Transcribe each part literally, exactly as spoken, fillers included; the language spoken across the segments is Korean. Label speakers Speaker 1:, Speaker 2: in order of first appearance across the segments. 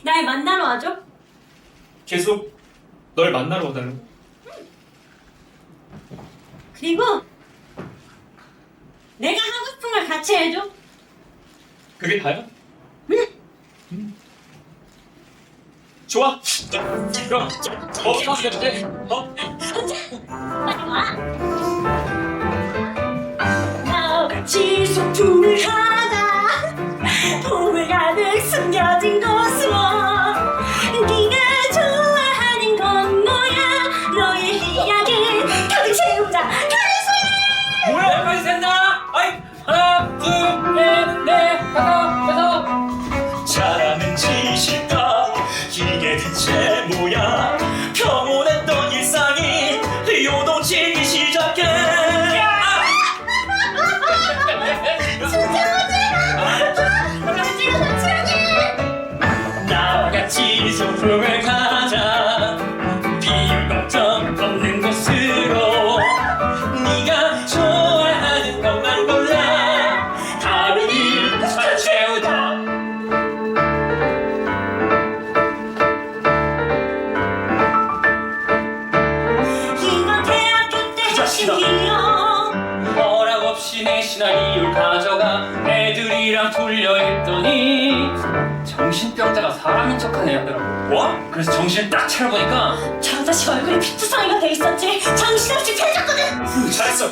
Speaker 1: 날 만나러 와줘.
Speaker 2: 계속 널 만나러 와달라고.
Speaker 1: 그리고 내가 하고 싶은 걸 같이 해줘.
Speaker 2: 그게 다야?
Speaker 1: 응.
Speaker 2: 음. 좋아. 그럼 뭐 하게 돼? 어?
Speaker 1: 빨리 와. 나같이 소풍을 하다 봄을 가득 숨겨진 곳으로 네가 좋아하는 건 뭐야? 너의 이야기 가득 채우자. 가리세!
Speaker 3: 뭐야 여기까지 샌다. 아이 하나 둘셋넷 다섯 여섯.
Speaker 2: 잘하는 짓일까? 이게 대체 뭐야? 평온했던 일상이 요동치기 시작해. 나와 같이 소풍을 가자. 비율 걱정 없는 곳으로. 네가 좋아하는 것만 골라. 다른 일 잘 채우자.
Speaker 1: 이건 대학교 때 하신 기억.
Speaker 3: 허락 없이 내 시나리오를 가져가 애들이랑 돌려 했더니 정신병자가 사람인 척하네 하더라고.
Speaker 2: 뭐?
Speaker 3: 그래서 정신을 딱 차려보니까
Speaker 1: 저 자식 얼굴에 피투성이가 돼 있었지. 정신없이 펴졌거든.
Speaker 2: 음, 잘했어.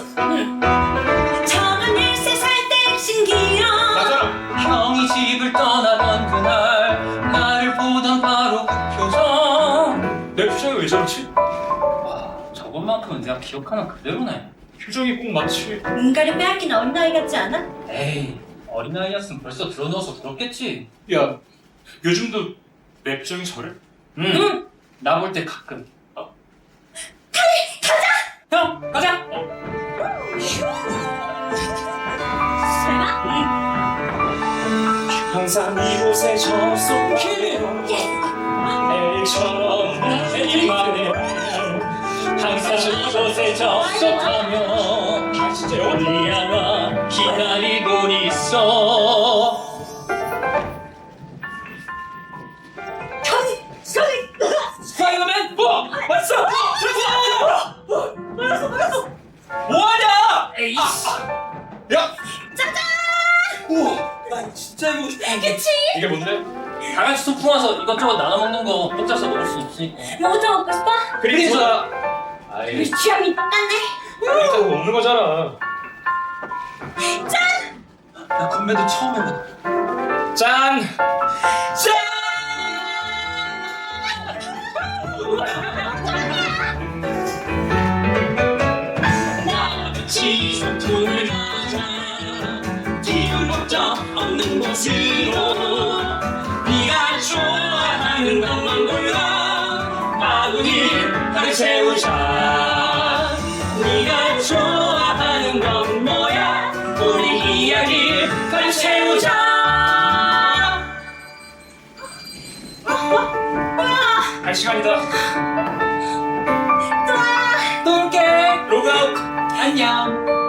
Speaker 1: 저는 열세 살 때 신기억.
Speaker 2: 맞아.
Speaker 3: 형이 집을 떠나던 그날 나를 보던 바로 그 표정.
Speaker 2: 내 표정이 왜 저렇지?
Speaker 3: 와, 저것만큼은 내가 기억하는 그대로네.
Speaker 2: 표정이 꼭 마치
Speaker 1: 뭔가를 빼앗긴 어린아이 같지 않아?
Speaker 3: 에이, 어린아이였으면 벌써 들어넣어서 들었겠지.
Speaker 2: 야 요즘도 내 표정이 저래?
Speaker 3: 응.
Speaker 1: 응.
Speaker 3: 나 볼 때 가끔. 어. 가자! 형, 가자!
Speaker 1: 설마?
Speaker 2: 항상 이곳에 접속해 애처럼 내일만 해.
Speaker 3: 항상 이곳에 접속하며
Speaker 2: 아 진짜 영어
Speaker 3: 우리 하나 기다리고 있어.
Speaker 1: 저기 저기
Speaker 3: 스파이더맨 뭐? 왔어!
Speaker 1: 몰랐어 몰랐어.
Speaker 3: 뭐하냐? 에이
Speaker 2: 야!
Speaker 1: 짜잔.
Speaker 3: 우와, 나 진짜 이거 싶어.
Speaker 1: 그치?
Speaker 2: 이게 뭔데?
Speaker 3: 다 같이 소풍 와서 이것저것 나눠 먹는 거 혼자서 먹을 수 없으니까.
Speaker 1: 뭐부터 먹고 싶어?
Speaker 2: 그림자.
Speaker 3: 아이,
Speaker 1: 우리 취향이 똑같네.
Speaker 2: 그림자 그거 먹는 거잖아.
Speaker 1: 짠.
Speaker 3: 나 건배도 처음 해봐.
Speaker 2: 짠!
Speaker 3: 짠!
Speaker 2: 나같이 소풍을 가자. 기분 걱정 없는 곳으로. 네가 좋아하는 것만 골라. 마구니 가득 채우자. 네가 좋아하는 건 뭐야? 우리 이야기 가득 채우자. 갈 시간이다.
Speaker 3: 또 올게.
Speaker 2: 로그아웃.
Speaker 3: 안녕.